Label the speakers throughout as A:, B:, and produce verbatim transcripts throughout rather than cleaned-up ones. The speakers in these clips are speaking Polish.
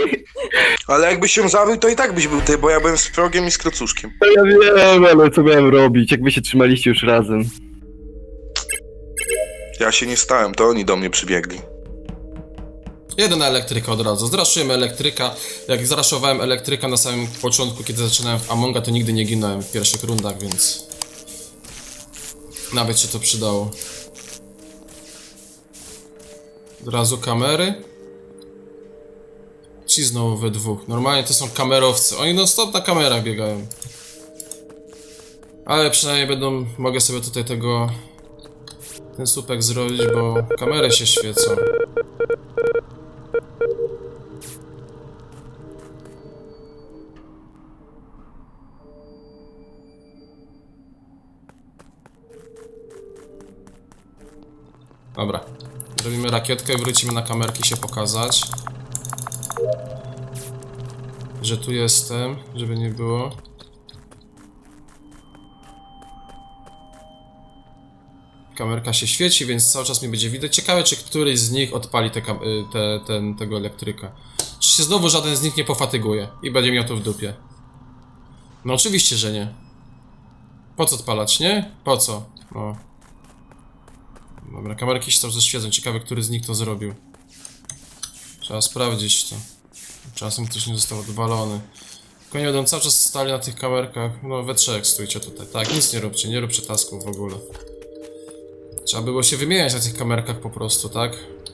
A: Ale jakbyś się zawył, to i tak byś był ty, bo ja byłem z progiem i z krocuszkiem.
B: No ja wiem, ale co miałem robić, jak wy się trzymaliście już razem.
A: Ja się nie stałem, to oni do mnie przybiegli.
C: Jeden elektryka od razu. Zraszujemy elektryka. Jak zraszowałem elektryka na samym początku, kiedy zaczynałem w Amonga, to nigdy nie ginąłem w pierwszych rundach, więc... Nawet się to przydało. Od razu kamery. Ci znowu we dwóch. Normalnie to są kamerowcy. Oni non stop na kamerach biegają. Ale przynajmniej będą... Mogę sobie tutaj tego... Ten słupek zrobić, bo kamery się świecą. Dobra. Zrobimy rakietkę i wrócimy na kamerki się pokazać. Że tu jestem, żeby nie było. Kamerka się świeci, więc cały czas mi będzie widać. Ciekawe, czy któryś z nich odpali te, te, ten, tego elektryka. Czy się znowu żaden z nich nie pofatyguje i będzie miał to w dupie? No oczywiście, że nie. Po co odpalać, nie? Po co? O. Dobra, kamerki się cały czas świecą. Ciekawe, który z nich to zrobił. Trzeba sprawdzić to. Czasem ktoś nie został odwalony. Tylko nie będą cały czas stali na tych kamerkach. No we trzech stójcie tutaj. Tak, nic nie róbcie, nie róbcie tasków w ogóle. Trzeba było się wymieniać na tych kamerkach po prostu, tak?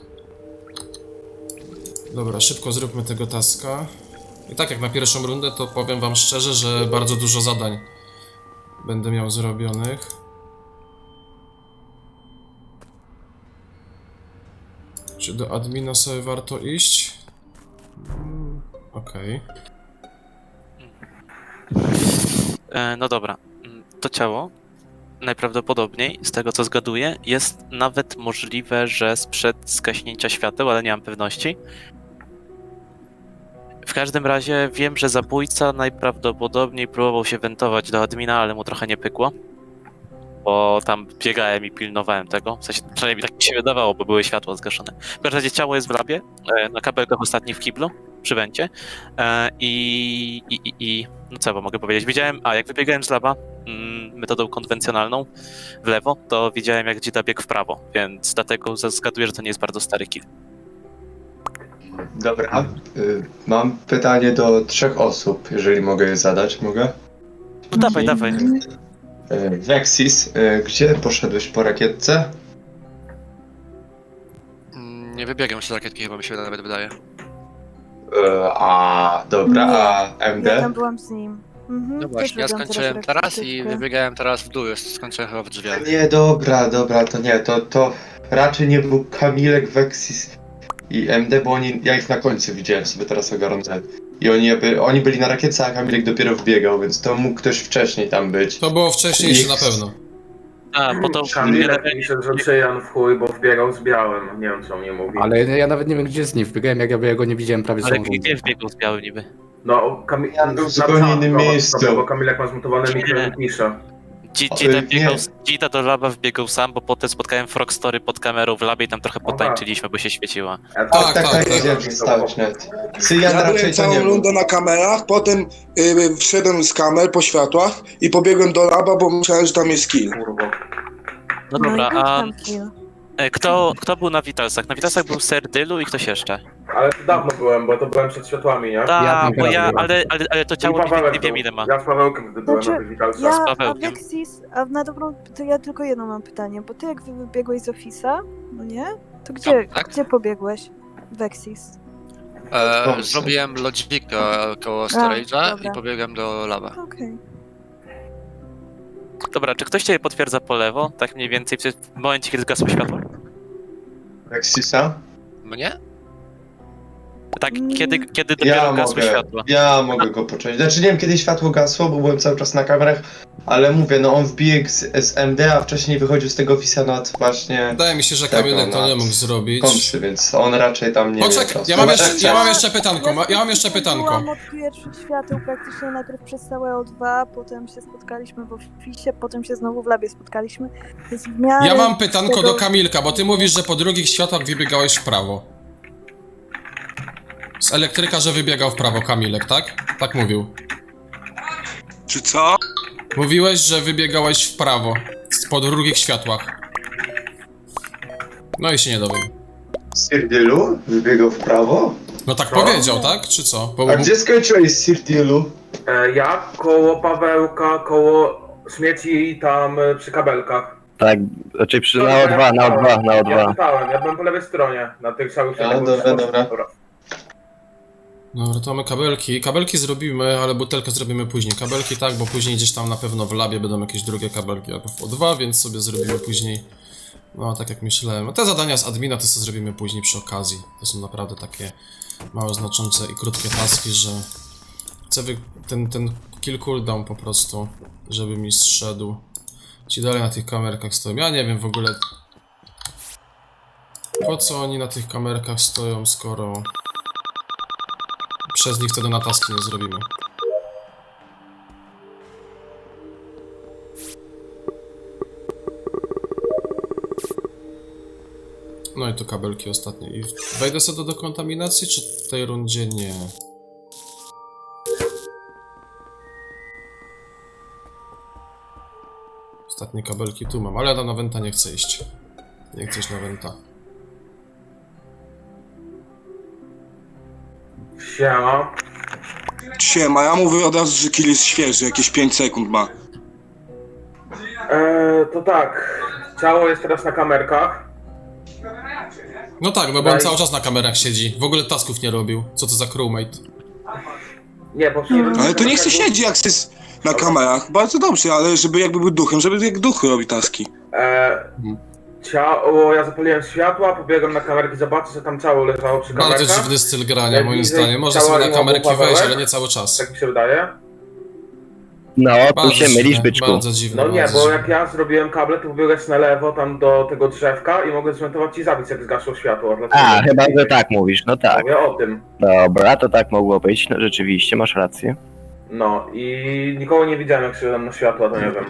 C: Dobra, szybko zróbmy tego taska. I tak jak na pierwszą rundę, to powiem wam szczerze, że bardzo dużo zadań będę miał zrobionych. Czy do admina sobie warto iść? Hmm, okej.
D: E, no dobra, to ciało najprawdopodobniej, z tego co zgaduję, jest nawet możliwe, że sprzed zgaśnięcia świateł, ale nie mam pewności. W każdym razie wiem, że zabójca najprawdopodobniej próbował się wentować do admina, ale mu trochę nie pykło. Bo tam biegałem i pilnowałem tego. W sensie, przynajmniej tak mi się wydawało, bo były światła zgaszone. W każdym razie ciało jest w labie, na kabelkach ostatni w kiblu, przy wencie. I, i, i, i no co bo mogę powiedzieć? Widziałem, a jak wybiegałem z laba mm, metodą konwencjonalną w lewo, to widziałem jak Dzida biegł w prawo, więc dlatego zgaduję, że to nie jest bardzo stary kill.
E: Dobra, y, mam pytanie do trzech osób, jeżeli mogę je zadać, mogę?
D: No dawaj, dawaj.
E: Y, Vexis, y, gdzie poszedłeś po rakietce?
F: Nie wybiegam z rakietki, chyba mi się nawet wydaje.
E: Y, a, dobra, a M D?
G: Ja tam byłam z nim. Mhm,
F: No
G: też
F: właśnie, ja
G: robiłam
F: skończyłem
G: teraz
F: teraz i
G: rakietkę.
F: wybiegałem teraz w dół, jest- skończyłem chyba w drzwiach.
E: Nie, dobra, dobra, to nie, to, to raczej nie był Kamilek, Vexis i M D, bo oni, ja ich na końcu widziałem sobie teraz ogarnąłem. I oni, jakby, oni byli na rakietce, a Kamilek dopiero wbiegał, więc to mógł ktoś wcześniej tam być.
C: To było wcześniej jeszcze na
E: Nikt-
C: pewno.
D: A, bo to...
H: Kamilek pisze, że Czyjan w chuj, bo wbiegał z białym. Nie wiem, co mnie mówi.
I: Ale ja nawet nie wiem, gdzie z nim wbiegałem, jak ja go nie widziałem prawie
D: Ale
I: całą rundę.
D: gdzie wbiegł z białym niby?
H: No, Kamil...
E: Ja był w
H: na
E: zupełnie
H: czat,
E: innym
H: no,
E: miejscu.
H: Bo Kamilek ma zmutowany mikro i pisze.
D: Dzi-
E: O,
D: Dzida
E: y,
D: biegał,
E: nie.
D: z- Dzida do laba wbiegł sam, bo potem spotkałem Frogstory pod kamerą w labie i tam trochę
H: Aha.
D: potańczyliśmy, bo się świeciła.
H: Ja
C: Tak,
E: Tak, tak, tak, wiedziałem, że stałeś net. Cyjan
A: Ja byłem
E: raczej to
A: całą
E: nie był.
A: rundę na kamerach, potem y, wszedłem z kamer po światłach i pobiegłem do laba, bo myślałem, że tam jest kill.
H: kurwa.
D: No
G: No
D: dobra,
G: i
D: a
G: tam kill.
D: e, kto, kto był na Vitalsach? Na Vitalsach był Serdylu i ktoś jeszcze.
H: Ale to dawno byłem, bo to byłem przed światłami, nie?
D: Tak,
I: Ja
D: bo
I: tam
D: ja,
I: byłem.
D: ale, ale, ale to
H: I
D: ciało nie,
H: Pawełek
D: nie wiem
H: był.
D: ile ma.
H: Ja z Pawełkiem wtedy byłem
G: Znaczy,
H: na tych witalcach.
G: Ja,
D: z
G: a
D: Pawełkiem.
G: Vexis, a na dobrą, to ja tylko jedno mam pytanie, bo ty jak wy- wybiegłeś z Office'a, no nie? To gdzie,
F: tak?
G: gdzie pobiegłeś? Vexis.
F: E,
E: Dobrze.
F: zrobiłem lodzika koło storage'a
G: dobra.
F: i pobiegłem do laba.
G: Okej.
D: Dobra, czy ktoś ciebie potwierdza po lewo? Tak mniej więcej w momencie, kiedy zgasło światło?
E: Vexisa?
F: Mnie?
D: Tak,
G: Mm.
D: kiedy, kiedy dopiero
E: Ja
D: gasły
E: mogę,
D: światło?
E: ja mogę go począć. Znaczy nie wiem, kiedy światło gasło, bo byłem cały czas na kamerach, ale mówię, no on wbiegł z, z M D, a wcześniej wychodził z tego Fisa nad właśnie
C: Wydaje mi się, że
E: Tego,
C: Kamilek to
E: no.
C: nie mógł zrobić.
E: kąsy, więc on raczej tam nie
C: Poczekaj,
E: wie.
C: ja mam
E: Chyba,
C: jeszcze-
E: że-
C: ja mam jeszcze pytanko, ma- ja mam jeszcze pytanko.
G: Byłam od pierwszych świateł praktycznie najpierw przez całe O dwa, potem się spotkaliśmy w Office'ie, potem się znowu w labie spotkaliśmy, więc w miarę...
C: Ja mam pytanko
G: tego-
C: do Kamilka, bo ty mówisz, że po drugich światłach wybiegałeś w prawo. Z elektryka, że wybiegał w prawo Kamilek, tak? Tak mówił.
A: Czy co?
C: Mówiłeś, że wybiegałeś w prawo. Po drugich światłach. No i się nie dowiem.
E: Sirdilu wybiegał w prawo?
C: No tak powiedział, tak? Czy co? Bo,
E: A gdzie skończyłeś Sirdilu?
H: E, ja koło Pawełka, koło śmieci tam e, przy kabelkach.
B: Tak, znaczy przy, na
H: Dobra,
B: O dwa, na O dwa, na O
H: Ja
B: dwa.
H: pytałem, ja byłem po lewej stronie, na tych całych
E: A, dobra, dobra.
C: Dobra, to mamy kabelki. Kabelki zrobimy, ale butelkę zrobimy później. Kabelki tak, bo później gdzieś tam na pewno w labie będą jakieś drugie kabelki albo w O dwa, więc sobie zrobimy później. No, tak jak myślałem. Te zadania z admina to sobie zrobimy później przy okazji. To są naprawdę takie mało znaczące i krótkie taski, że chcę wy... ten, ten kill cooldown po prostu, żeby mi zszedł. Ci dalej na tych kamerkach stoją. Ja nie wiem w ogóle, po co oni na tych kamerkach stoją, skoro przez nich wtedy na taski nie zrobimy. No i tu kabelki ostatnie. I wejdę sobie do dekontaminacji, czy w tej rundzie nie? Ostatnie kabelki tu mam, ale ja na Wenta nie chcę iść. Nie chcę iść na Wenta.
H: Siema.
A: Siema, ja mówię od razu, że kill jest świeży, jakieś pięć sekund ma.
H: E, to tak, ciało jest teraz na kamerkach.
C: No tak, no bo on cały czas na kamerach siedzi. W ogóle tasków nie robił. Co to za crewmate?
H: Nie, bo przyjechałem-
A: Ale to niech se siedzi, jak jest na kamerach. Bardzo dobrze, ale żeby jakby był duchem, żeby jak duch robi taski.
H: E, ciało, ja zapaliłem światła, pobiegłem na kamerki zobaczyć, że tam ciało leżało przy kamerkach.
C: Bardzo dziwny styl grania,
H: Jak
C: moim
H: widzę,
C: zdaniem. Można
H: ciała
C: sobie na
H: nie ma
C: kamerki
H: Pawełek.
C: wejść, ale nie cały czas.
H: Tak mi się wydaje.
B: No, tu
C: Bardzo
B: się mylisz,
C: dziwne,
B: byczku.
C: bardzo dziwne.
H: No nie,
C: bardzo
H: bo
C: dziwne.
H: jak ja zrobiłem kable, to pobiegłeś na lewo tam do tego drzewka i mogę zmontować i zabić, jak zgasło światło. Dlatego-
B: A, chyba, że tak mówisz, no tak.
H: Mówię o tym.
B: Dobra, to tak mogło być, no rzeczywiście, masz rację.
H: No i nikogo nie widziałem, jak się na światła, to nie wiem.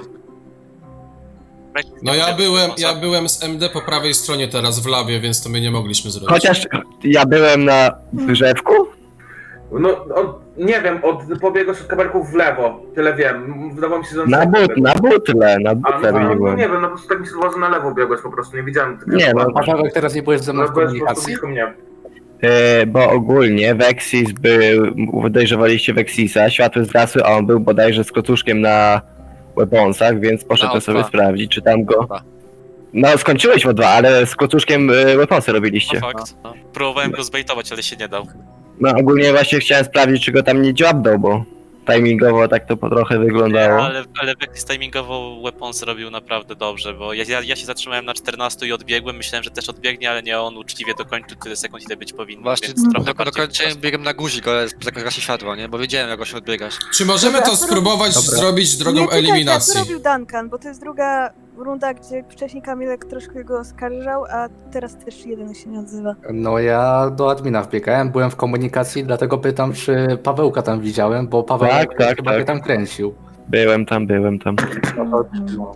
C: No ja byłem, ja byłem z M D po prawej stronie teraz w labie, więc to my nie mogliśmy zrobić.
B: Chociaż ja byłem na drzewku?
H: No, od, nie wiem, od, pobiegłeś od kabelków w lewo, tyle wiem. Wydawało mi się, że...
B: Na, but, na butle, na
H: A,
B: butle
H: no, no
B: byłem.
H: nie wiem, no po prostu tak mi się wydawało, że na lewo biegłeś po prostu, nie widziałem tego.
B: Nie, no,
I: Pawełek, teraz nie byłeś ze mną
H: No
I: w
H: byłeś po prostu
I: komunikacji?
H: blisko mnie.
B: E, bo ogólnie Vexis był, podejrzewaliście Vexisa, światło zgasły, a on był bodajże z klocuszkiem na weaponsach, więc
F: Na
B: poszedłem
F: O
B: sobie
F: dwa.
B: sprawdzić, czy tam go...
F: Dobra.
B: No, skończyłeś o dwa, ale z klocuszkiem e, weaponsy robiliście.
D: No fakt. No. Próbowałem go zbejtować, ale się nie dał.
B: No, ogólnie właśnie chciałem sprawdzić, czy go tam nie dziabnął, bo timingowo tak to po trochę wyglądało.
D: Ale, ale Vexis timingowo weapons robił naprawdę dobrze, bo ja, ja, ja się zatrzymałem na czternastu i odbiegłem, myślałem, że też odbiegnie, ale nie, on uczciwie dokończył tyle sekund, ile być powinno,
F: Właśnie
D: więc trochę
F: tylko
D: bardziej
F: dokończyłem biegiem na guzik, ale zagaśnie światło, nie? Bo wiedziałem, jak go się odbiegać.
C: Czy możemy
G: Dobra,
C: to
G: a co
C: spróbować
I: Dobra.
C: zrobić drogą
G: nie, czekajcie, a co
C: eliminacji?
G: robił Duncan, bo to jest druga runda, gdzie wcześniej Kamilek troszkę go oskarżał, a teraz też jeden się nie odzywa.
I: No ja do admina wbiegałem, byłem w komunikacji, dlatego pytam, czy Pawełka tam widziałem, bo Paweł
B: Tak, tak,
I: chyba
B: tak.
I: mnie tam kręcił.
B: Byłem tam, byłem tam.
I: No to, no.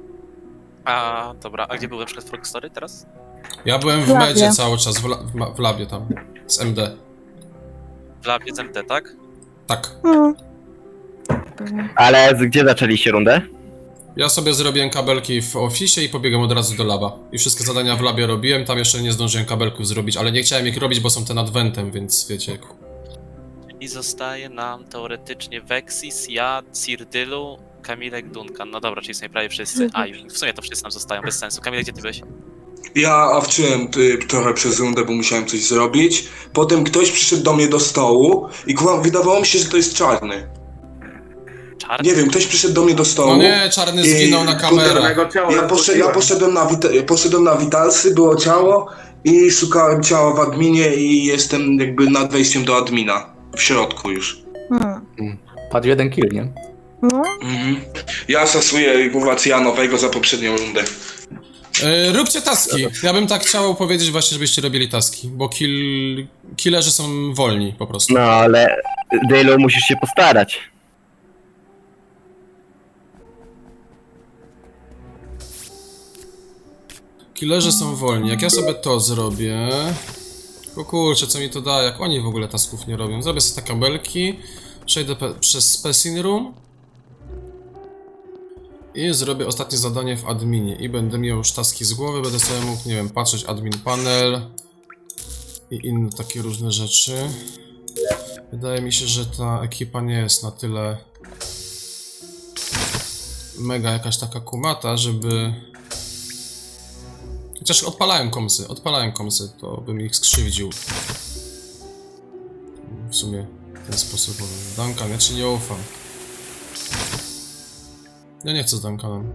D: A, dobra, a gdzie był na przykład Frog Story teraz?
C: Ja byłem w
G: W labie.
C: medzie cały czas, w, la w ma- w labie tam, z M D.
D: W labie z M T, tak?
C: Tak.
G: Hmm.
B: Ale z- gdzie zaczęliście rundę?
C: Ja sobie zrobiłem kabelki w oficie i pobiegłem od razu do laba. I wszystkie zadania w labie robiłem, tam jeszcze nie zdążyłem kabelków zrobić, ale nie chciałem ich robić, bo są te nad wentem, więc wiecie.
D: I zostaje nam teoretycznie Vexis, ja, Cyrdylu, Kamilek, Duncan. No dobra, czyli są prawie wszyscy. A, i w sumie to wszyscy nam zostają, bez sensu. Kamilek, gdzie ty byłeś?
A: Ja awczyłem y, trochę przez rundę, bo musiałem coś zrobić. Potem ktoś przyszedł do mnie do stołu i kurwa, wydawało mi się, że to jest czarny.
D: Czarny?
A: Nie wiem, ktoś przyszedł do mnie do stołu.
C: No nie, czarny zginął na
A: I-
C: kamerach.
H: Jego ciało
A: Ja, poszed, ja
H: zgłosiłem.
A: poszedłem, na wita- poszedłem na witalsy, było ciało i szukałem ciała w adminie i jestem jakby nad wejściem do admina. W środku już.
G: Hmm.
I: Padł jeden kill, nie?
G: No,
A: Mhm. Ja stasuję kurwa cyjanowego za poprzednią rundę.
C: Yy, róbcie taski. Ja bym tak chciał powiedzieć właśnie, żebyście robili taski, bo kill... killerzy są wolni po prostu.
B: No, ale Dylu musisz się postarać.
C: Killerzy są wolni. Jak ja sobie to zrobię... Bo kurczę, co mi to da, jak oni w ogóle tasków nie robią. Zrobię sobie te kabelki, przejdę przez Specimen Room i zrobię ostatnie zadanie w adminie i będę miał już taski z głowy, będę sobie mógł, nie wiem, patrzeć admin panel i inne takie różne rzeczy. Wydaje mi się, że ta ekipa nie jest na tyle mega jakaś taka kumata, żeby... Chociaż odpalałem komsy, odpalałem komsy, to bym ich skrzywdził. W sumie w ten sposób. Duncan, ja ci nie ufam. Ja nie chcę z Duncanem.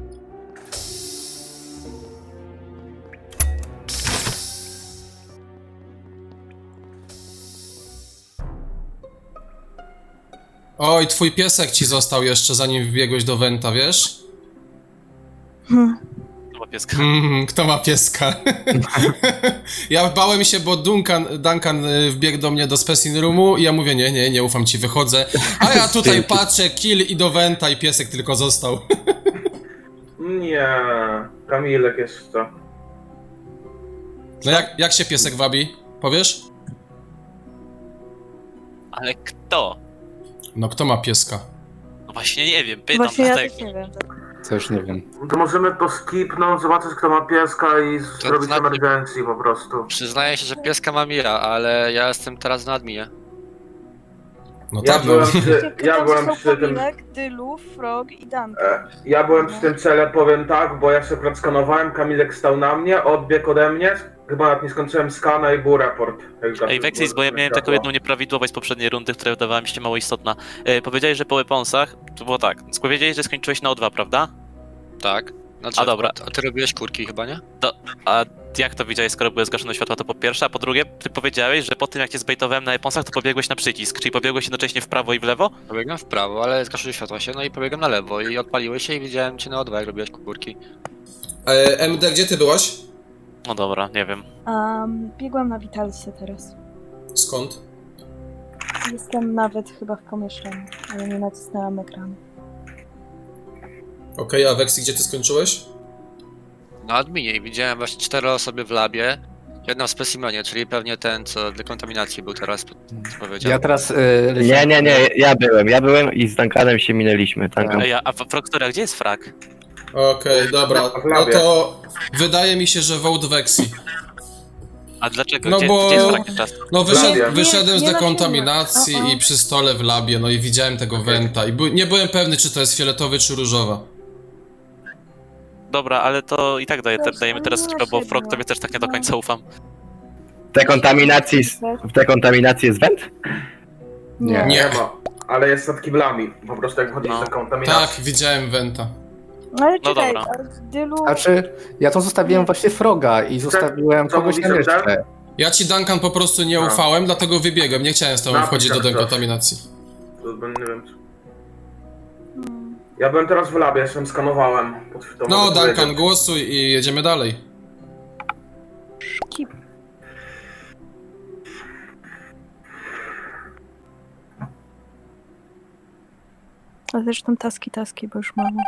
C: Oj, twój piesek ci został jeszcze zanim wbiegłeś do Wenta, wiesz?
G: Hmm.
D: Chyba pieska.
C: Mm, kto ma pieska? Ja bałem się, bo Duncan, Duncan y, wbiegł do mnie do Specimen Roomu i ja mówię, nie, nie, nie ufam ci, wychodzę. A ja tutaj patrzę, kill i do Wenta i piesek tylko został.
H: Nie, Kamilek jest to.
C: No jak, jak się piesek wabi? Powiesz?
D: Ale kto?
C: No kto ma pieska?
D: No właśnie nie wiem, pytam
G: Właśnie ja
D: dlatego.
G: też nie wiem.
I: Też nie wiem.
H: To możemy to skipnąć, zobaczyć kto ma pieska i
F: To
H: zrobić
F: znaczy-
H: emergencji po prostu.
F: Przyznaję się, że pieska mam ja, ale ja jestem teraz na adminie.
C: No
H: Ja
C: tak, no.
H: byłem przy, ja
G: Tam
H: byłem
G: są
H: przy tym...
G: Kamilek, Dylu, Frog i Duncan.
H: E, Ja byłem przy tym cele, powiem tak, bo ja się akurat skanowałem, Kamilek stał na mnie, odbiegł ode mnie, chyba nawet nie skończyłem skana i był raport. Jak
D: Ej, Vexis, bo ja miałem taką jedną nieprawidłowość z poprzedniej rundy, która wydawała mi się mało istotna. E, powiedziałeś, że po weaponsach, to było tak, powiedziałeś, że skończyłeś na O dwa, prawda?
F: Tak? Znaczy,
D: A, dobra.
F: A ty robiłeś kurki chyba, nie?
C: Tak.
D: A jak to widziałeś, skoro były zgaszone światła, to po pierwsze, a po drugie, ty powiedziałeś, że po tym jak cię zbejtowałem na weaponsach, to pobiegłeś na przycisk, czyli pobiegłeś jednocześnie w prawo i w lewo?
F: Pobiegłem w prawo, ale zgaszyły światła się, no i pobiegłem na lewo i odpaliłeś się i widziałem cię na O dwa, jak robiłeś kurki.
C: E, M D, gdzie ty byłaś?
D: No dobra, nie wiem.
G: Um, biegłam na Vitalsie teraz.
C: Skąd?
G: Jestem nawet chyba w pomieszczeniu, ale nie nacisnęłam ekranu.
C: Okej, a Vexi, gdzie ty skończyłeś?
F: Na adminie i widziałem właśnie cztery osoby w labie, jedna w specimenie, czyli pewnie ten, co dekontaminacji był teraz, co powiedział.
I: Ja teraz... y,
B: Nie,
I: leciałem-
B: nie, nie, ja byłem, ja byłem i z Duncanem się minęliśmy. Duncan.
D: Ej, a Frogtora, gdzie jest frag?
C: Okej, dobra,
H: W
C: no
H: labie.
C: to wydaje mi się, że vote Vexi.
D: A dlaczego?
C: No
D: gdzie,
C: bo-
D: gdzie jest frag czas?
C: No wyszedł,
H: labie.
C: wyszedłem z
G: Nie, nie na
C: dekontaminacji
G: filmie. O, o.
C: i przy stole w labie, no i widziałem tego Wenta i by, nie byłem pewny, czy to jest fioletowy, czy różowa.
D: Dobra, ale to i tak daje,
G: Dobrze,
D: dajemy
G: ale
D: teraz
G: no
D: skipę, bo
G: właśnie,
D: Frog
G: no.
D: tobie też tak nie do końca ufam.
B: W dekontaminacji, s- w dekontaminacji jest węd?
I: Nie.
C: Nie.
H: Nie ma, ale jest nad kiblami, po prostu jak wchodzisz
D: No.
H: do kontaminacji.
C: Tak, widziałem Wenta.
G: Ale
D: No
G: czekaj,
D: dobra.
G: a w Dylu...
I: Znaczy, ja to zostawiłem właśnie Froga i zostawiłem
H: co
I: kogoś
H: mówisz,
I: tam
H: Ender?
I: jeszcze.
C: Ja ci, Duncan, po prostu nie
H: A.
C: ufałem, dlatego wybiegłem, nie chciałem z tobą
H: Napisz
C: wchodzić do
H: jak coś.
C: dekontaminacji.
H: To bym- nie wiem.
G: Hmm.
H: Ja byłem teraz w labie, jeszcze skanowałem. To
C: No,
H: mogę
C: Duncan,
H: powiedzieć.
C: głosuj i jedziemy dalej.
G: Kip. A zresztą taski, taski, bo już mamy.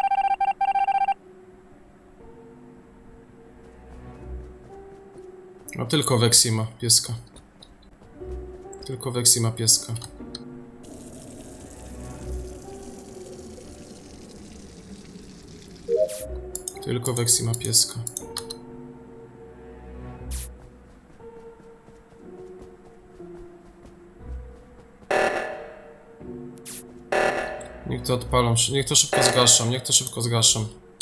C: No tylko Vexi ma pieska. Tylko Vexi ma pieska. Tylko Vexi ma pieska. Niech to odpalą, niech to szybko zgaszam, niech to szybko zgaszam.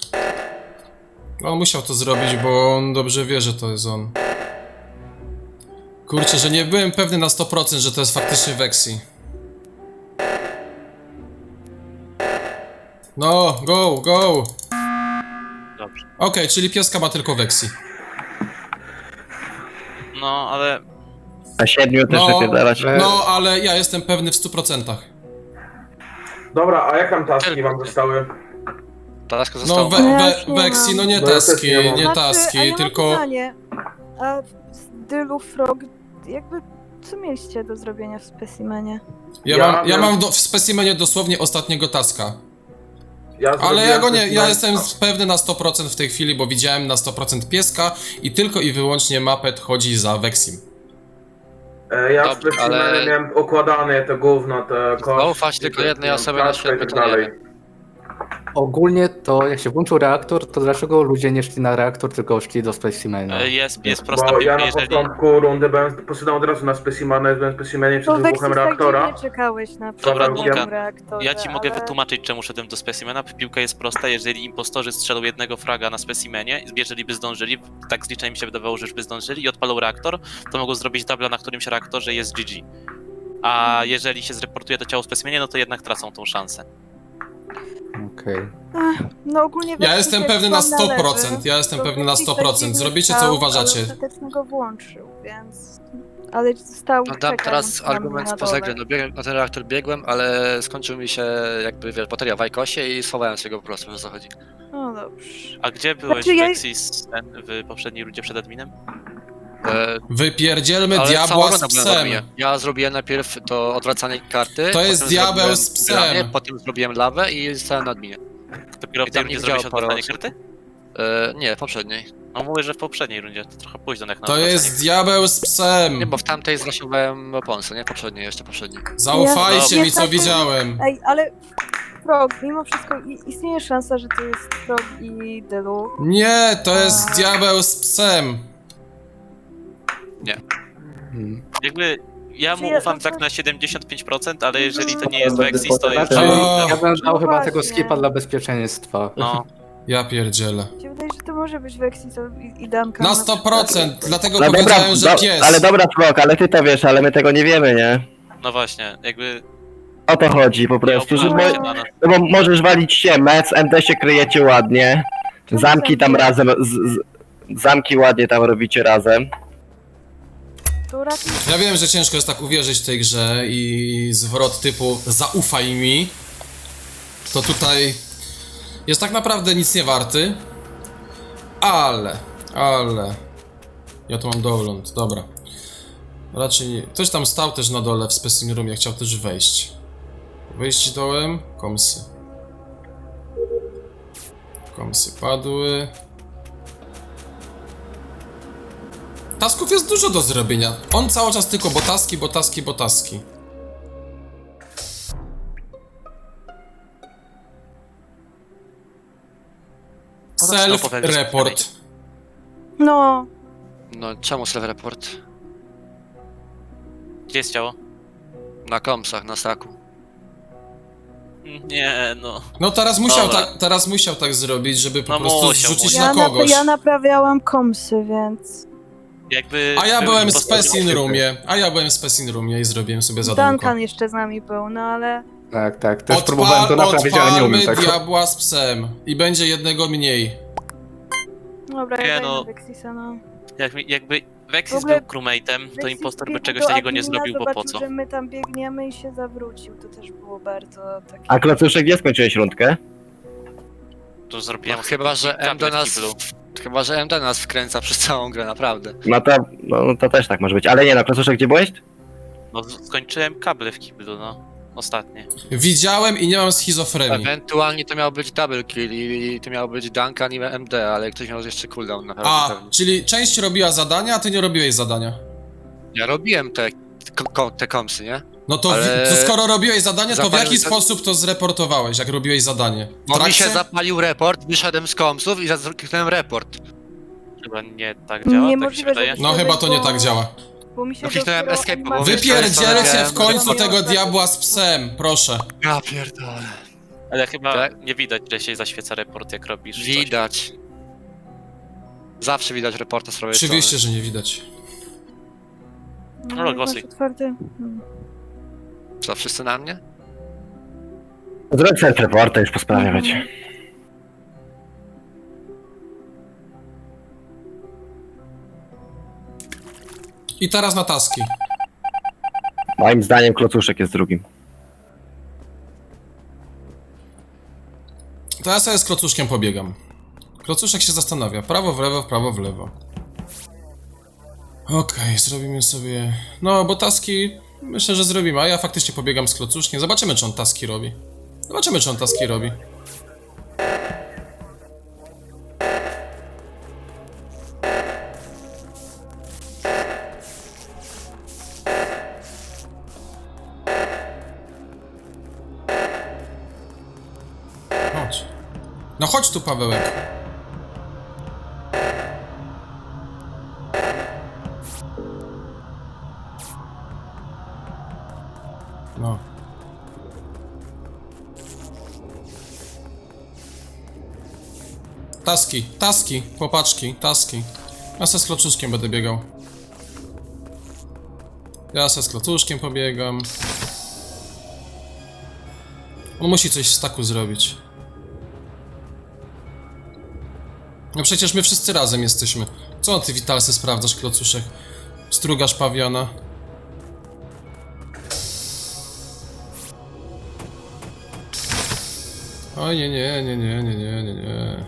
C: On musiał to zrobić, bo on dobrze wie, że to jest on. Kurczę, że nie byłem pewny na sto procent, że to jest faktycznie Vexi. No, go, go!
D: Dobrze.
C: Okej, czyli pieska ma tylko Vexi.
D: No, ale
B: Na siedmiu też
C: No.
B: wypierdalać.
I: E,
C: No, ale ja jestem pewny w stu procentach.
H: Dobra, a jak tam taski wam zostały?
F: Taska
C: No,
F: została.
C: we,
G: No ja
C: we,
G: już nie
C: Vexi,
G: mam.
C: no nie
H: No ja też
C: taski,
H: nie mam.
C: nie
G: Znaczy,
C: taski,
G: a ja mam
C: tylko...
G: pytanie. A w Dylu, Frog, jakby co mieliście do zrobienia w specimenie?
C: Ja
H: Ja
C: mam, ja
H: wiem.
C: mam do, w specimenie dosłownie ostatniego taska.
H: Ja
C: Ale
H: zrobiłem
C: ja go nie, ja
H: specimen-
C: jestem pewny na sto procent w tej chwili, bo widziałem na sto procent pieska i tylko i wyłącznie Mapet chodzi za Vexim.
H: E, Ja w
F: Dobrze,
H: specimenie
F: ale-
H: miałem układane te gówno, te kości.
F: Zaufać tylko jednej
H: te-
F: osobie na
H: flaszkę
F: świecie
H: i tak
F: to nie
H: dalej.
F: wiem.
I: Ogólnie to jak się włączył reaktor, to dlaczego ludzie nie szli na reaktor, tylko szli do specimena?
D: E, Jest, jest prosta
H: Bo ja
D: piłka,
H: na
D: jeżeli...
H: początku rundy byłem, poszedłem od razu na specimenie, byłem w specimenie przed
G: To
H: wybuchem
G: Vexis tak
H: reaktora.
G: dziwnie czekałeś na
H: Dobra,
G: przykład
H: Duncan,
G: reaktorze,
D: Ja ci mogę
G: ale...
D: wytłumaczyć, czemu szedłem do specimena. Piłka jest prosta, jeżeli impostorzy strzelą jednego fraga na specimenie, jeżeli by zdążyli, tak z liczenia mi się wydawało, że już by zdążyli i odpalą reaktor, to mogą zrobić dubla na którymś reaktorze i jest G G. A jeżeli się zreportuje to ciało w specimenie, no to jednak tracą tą szansę.
I: Okej.
G: Ach, no ogólnie
C: Ja
G: Vexis
C: jestem
G: jak
C: pewny na
G: tam
C: sto
G: należy,
C: procent, ja jestem
G: to
C: pewny na
G: Vexis
C: sto
G: tak
C: procent.
G: dziwnie
C: Zrobicie co
G: stał,
C: uważacie.
G: Ale ostatecznie go włączył, więc... Ale stał
F: No dam
G: czekając
F: teraz
G: na mnie
F: argument
G: na
F: spoza
G: dole.
F: gry. No, biegłem, na ten reaktor biegłem, ale skończył mi się jakby wiesz, bateria w Ajkosie i schowałem się go po prostu, że o co chodzi.
G: No dobrze.
D: A gdzie byłeś,
G: Znaczy, ja-
D: Vexis, ten, w poprzedniej rundzie przed adminem?
F: E,
C: Wypierdzielmy
F: ale
C: diabła
F: cała
C: z
F: runda była na
C: psem.
F: adminie. Ja zrobiłem najpierw to odwracanie karty.
C: To jest
F: potem
C: diabeł
F: zrobiłem
C: z psem.
F: granie, Potem zrobiłem lawę i stałem na adminie.
D: Dopiero w
F: I
D: tej
F: tam nie
D: rundzie zrobiłeś
F: widziało parę
D: odwracanie
F: osób.
D: karty?
F: E, nie, w poprzedniej.
D: No mówię, że w poprzedniej rundzie, to trochę późno jak na
C: To
D: odwracanie.
C: jest diabeł z psem.
F: Nie, bo w tamtej zrasiowałem oponsy, nie? Poprzedniej, jeszcze poprzedniej.
C: Zaufajcie
G: Ja-
C: mi, co
G: ja-
C: widziałem.
G: Ej, ale... Frog, mimo wszystko i- istnieje szansa, że to jest Frog i Dylu.
C: Nie, to jest diabeł z psem.
I: Hmm.
D: Jakby ja
G: Czy
D: mu
G: ja-
D: ufam tak na siedemdziesiąt pięć procent, ale jeżeli to nie jest
J: Będę
D: Vexis, to już...
J: potem-
C: O,
I: Ja bym dał
G: No
I: chyba tego
G: właśnie.
I: skipa dla bezpieczeństwa.
D: No,
C: ja pierdzielę.
G: Mi się wydaje, że to może być Vexis i, i Duncan.
C: Na sto procent, dlatego
B: No dobra,
C: powiedziałem, że
B: do,
C: pies.
B: ale dobra Frog, ale ty to wiesz, ale my tego nie wiemy, nie?
D: no właśnie, jakby...
B: O to chodzi po prostu, że
D: opłaca
B: mo
D: się dla nas.
B: no bo możesz walić się mec, M D się kryjecie ładnie, zamki tam razem, z, z, zamki ładnie tam robicie razem.
G: To raczej
C: Ja wiem, że ciężko jest tak uwierzyć w tej grze i zwrot typu zaufaj mi, to tutaj jest tak naprawdę nic nie warty, ale, ale, ja tu mam download, dobra. Raczej nie. Ktoś tam stał też na dole w specimen roomie, chciał też wejść. Wejść dołem, komsy. Komsy padły. Tasków jest dużo do zrobienia. On cały czas tylko botaski, botaski, botaski. Self-report.
G: No,
F: No, czemu self-report?
D: Gdzie jest ciało?
F: Na komsach, na staku.
D: Nie, no.
C: No teraz musiał,
D: Dobra.
C: tak, teraz musiał tak zrobić, żeby po
D: No
C: prostu
D: musiał,
C: zrzucić
D: musiał.
C: na
G: ja, nap
C: kogoś.
G: ja naprawiałam komsy, więc...
D: Jakby...
C: A ja
D: był
C: byłem w
D: impostor-
C: Specin Roomie, a ja byłem w Specin Roomie i zrobiłem sobie zadanko.
G: Duncan jeszcze z nami był, no ale...
I: Tak, tak, też próbowałem to
C: Odpal,
I: naprawić, ale nie umiem
C: odpalmy
I: tego.
C: diabła z psem i będzie jednego mniej.
G: Dobra,
D: Nie,
G: ja
D: no.
G: no. Vexisa, no.
D: Jak, jakby Vexis
G: W ogóle
D: był crewmate'em, to
G: Vexis
D: impostor by
G: biegł
D: czegoś
G: do
D: takiego nie
G: admina,
D: zrobił, bo po
G: zobaczył,
D: co?
G: że my tam biegniemy i się zawrócił, to też było bardzo takie...
B: A Klocuszek, gdzie skończyłeś rundkę?
D: To zrobiłem
F: No, chyba, że M D
D: kable w
F: nas...
D: kiblu.
F: Chyba, że M D nas wkręca przez całą grę, naprawdę.
B: No to, no, no to też tak może być, ale nie no, Klocuszek, gdzie byłeś?
D: No skończyłem kable w kiblu, no. Ostatnie.
C: Widziałem i nie mam schizofrenii.
F: Ewentualnie to miał być double kill i to miał być Duncan i M D, ale ktoś miał jeszcze cooldown naprawdę
C: A,
F: pewnie.
C: czyli część robiła zadania, a ty nie robiłeś zadania.
F: Ja robiłem te, ko- te komsy, nie?
C: No to,
F: Ale-
C: wi- to skoro robiłeś zadanie, to w
F: Zapalił
C: jaki
F: za-
C: sposób to zreportowałeś, jak robiłeś zadanie? W
F: Bo mi się
C: trakcie?
F: zapalił report, wyszedłem z komsów i kliknąłem report.
D: Chyba nie tak działa, tak mi się
G: Niemożliwe,
D: wydaje.
G: żeby-
C: No chyba to nie tak działa.
G: Bo mi się
F: No kliknąłem
G: dopiero
F: escape, bo
G: animacja-
F: wiesz,
C: Wypierdzielcie w końcu
G: Miałem-
C: tego diabła z psem, proszę.
F: Ja pierdolę.
D: Ale chyba
F: Tak?
D: nie widać, że się zaświeca report, jak robisz coś.
F: Widać. Zawsze widać reporta z prawej
C: Oczywiście, że nie widać.
G: No,
D: No,
G: jak
D: głosuj.
G: masz otwarty... Hmm.
F: strony. Co, wszyscy na mnie?
B: Zrób self-reporta, już po sprawie będzie.
C: I teraz na taski.
B: Moim zdaniem Klocuszek jest drugim.
C: To ja sobie z Klocuszkiem pobiegam. Klocuszek się zastanawia. Prawo w lewo, prawo w lewo. Okej, zrobimy sobie... No, bo taski... Myślę, że zrobimy, a ja faktycznie pobiegam z Klocuszkiem. Zobaczymy, czy on taski robi. Zobaczymy, czy on taski robi. No chodź tu, Pawełek. No. Taski, taski, chłopaczki, taski. Ja se z klocuszkiem będę biegał. Ja se z klocuszkiem pobiegam. On musi coś w staku zrobić. No przecież my wszyscy razem jesteśmy. Co ty, Witalsy, sprawdzasz, klocuszek? Strugasz pawiana. Oj, nie, nie, nie, nie, nie, nie, nie, nie.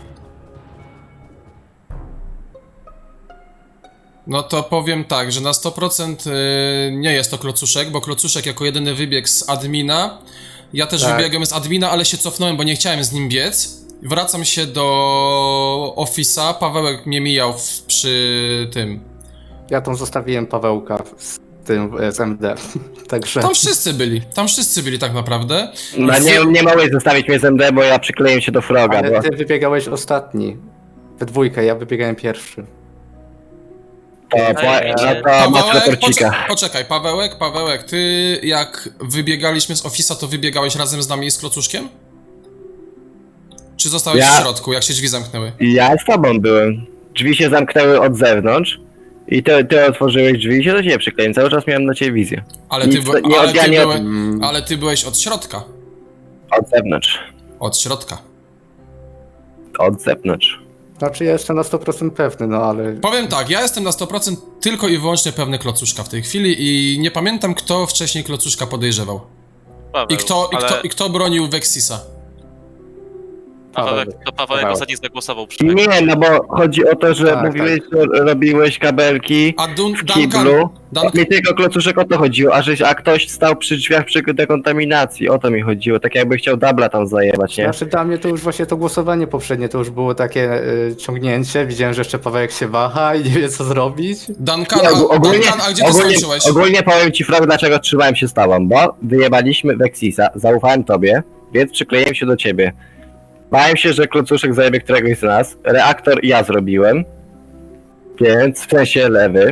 C: No to powiem tak, że na sto procent yy, nie jest to klocuszek, bo klocuszek jako jedyny wybiegł z admina. Ja też
I: Tak.
C: wybiegłem z admina, ale się cofnąłem, bo nie chciałem z nim biec. Wracam się do Office'a, Pawełek mnie mijał w, przy tym.
I: Ja tam zostawiłem Pawełka z tym, e, z M D. Także...
C: Tam wszyscy byli, tam wszyscy byli tak naprawdę.
B: No nie, nie mogłeś zostawić mnie z M D, bo ja przykleiłem się do Froga, bo...
I: Ale ty wybiegałeś ostatni. We dwójkę, ja wybiegałem pierwszy.
B: To, po, no to masz
C: Pawełek,
B: retorcika.
C: poczekaj, poczekaj, Pawełek, Pawełek, ty jak wybiegaliśmy z Office'a, to wybiegałeś razem z nami i z klocuszkiem? Czy zostałeś
B: Ja-
C: w środku, jak się drzwi zamknęły?
B: Ja z tobą byłem. Drzwi się zamknęły od zewnątrz. I ty, ty otworzyłeś drzwi i się do ciebie przykleiłem. Cały czas miałem na ciebie wizję.
C: Ale ty,
B: Nic,
C: by,
B: nie
C: ale,
B: od- ja
C: ty
B: nie od-
C: byłe, ale ty byłeś od środka.
B: Od zewnątrz.
C: Od środka.
B: Od zewnątrz.
I: Znaczy ja jestem na sto procent pewny, no ale...
C: Powiem tak, ja jestem na sto procent tylko i wyłącznie pewny klocuszka w tej chwili i nie pamiętam, kto wcześniej klocuszka podejrzewał.
D: Paweł,
C: I kto, i
D: ale
C: kto, i kto bronił Vexisa.
D: Pawełek, to Pawełek
I: Paweł.
D: ostatni zagłosował przynajmniej.
B: Nie, no bo chodzi o to, że
I: Tak,
B: mówiłeś, że robiłeś kabelki
C: A Dun
B: w
C: Duncan,
B: kiblu.
C: Duncan,
B: Mi tylko klocuszek o to chodziło, a, żeś, a ktoś stał przy drzwiach przy dekontaminacji. O to mi chodziło. Tak jakby chciał dubla tam zajebać, nie?
I: Znaczy dla mnie to już właśnie to głosowanie poprzednie, to już było takie y, ciągnięcie. Widziałem, że jeszcze Pawełek się waha i nie wie co zrobić.
C: Duncan,
B: Nie,
C: a,
B: ogólnie,
C: Duncan, a gdzie ty
B: ogólnie,
C: skończyłeś?
B: ogólnie powiem ci, Frog, dlaczego trzymałem się z tobą, bo wyjebaliśmy Vexisa, zaufałem tobie, więc przykleiłem się do ciebie. Bałem się, że klocuszek zajebie któregoś z nas, reaktor ja zrobiłem, więc w sensie lewy.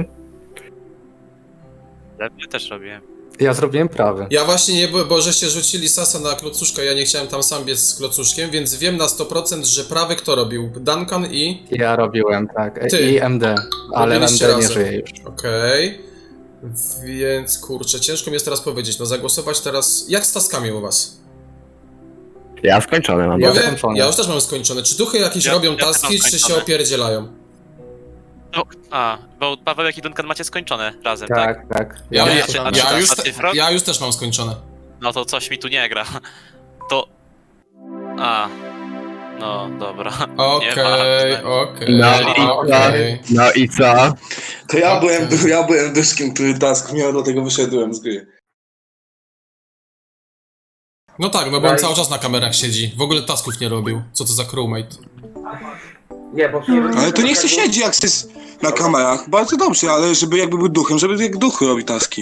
D: Ja też robiłem.
I: Ja zrobiłem prawy.
C: Ja właśnie nie, bo, bo żeście rzucili sasa na klocuszka, ja nie chciałem tam sam biec z klocuszkiem, więc wiem na sto procent, że prawy kto robił? Duncan i...
I: Ja robiłem, tak. E,
C: Ty.
I: I M D. Ale M
C: Robiliście
I: D nie
C: razem.
I: żyje już.
C: Okej. Więc kurczę, ciężko mi jest teraz powiedzieć, no zagłosować teraz... Jak z taskami u was?
B: Ja skończony mam.
I: Ja
C: Bo wie,
I: skończone.
C: ja już też mam skończone. Czy duchy jakieś
D: Ja-
C: robią
D: ja też mam
C: taski, czy się
D: skończone.
C: opierdzielają?
D: No, a, bo Pawełek i Duncan macie skończone razem, tak?
I: Tak, tak.
C: Ja,
D: Nie,
C: ja,
D: a czy- a
C: ja,
D: czy-
C: już,
D: a ty, Frog?
C: ja już też mam skończone.
D: No to coś mi tu nie gra. To... A... No, dobra.
C: Okej,
D: Nieważne.
C: okej,
B: No i co?
C: okej.
B: No i co?
A: To ja byłem,
C: Okej.
A: ja byłem dyskiem, który task miał, dlatego wyszedłem z gry.
C: No tak, no bo on
H: Daj.
C: cały czas na kamerach siedzi. W ogóle tasków nie robił. Co to za crewmate?
H: Nie, bo...
A: Ale to niech się siedzi jak jest na kamerach. Bardzo dobrze, ale żeby jakby był duchem, żeby jak duch robi taski.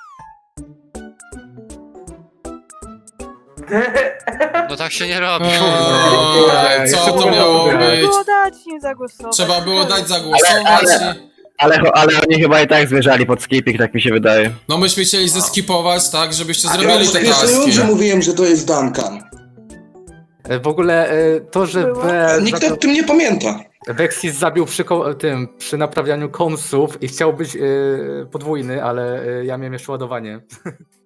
F: No tak się nie robi.
C: Eee, co to miało
I: Trzeba
C: być?
G: Było dać im zagłosować.
C: Trzeba było dać zagłosować i...
B: Ale, ale oni chyba i tak zmierzali pod skipping, tak mi się wydaje.
C: No myśmy chcieli zeskipować, tak, żebyście
A: Ja
C: zrobili
A: już
C: te
A: w pierwszej rundzie
C: taski.
A: mówiłem, że to jest Duncan.
I: E, W ogóle e, to, że
G: Było?
I: we,
A: Nikt o tym nie pamięta.
I: Vexis zabił przy, ko- tym, przy naprawianiu komsów i chciał być e, podwójny, ale e, ja miałem jeszcze ładowanie.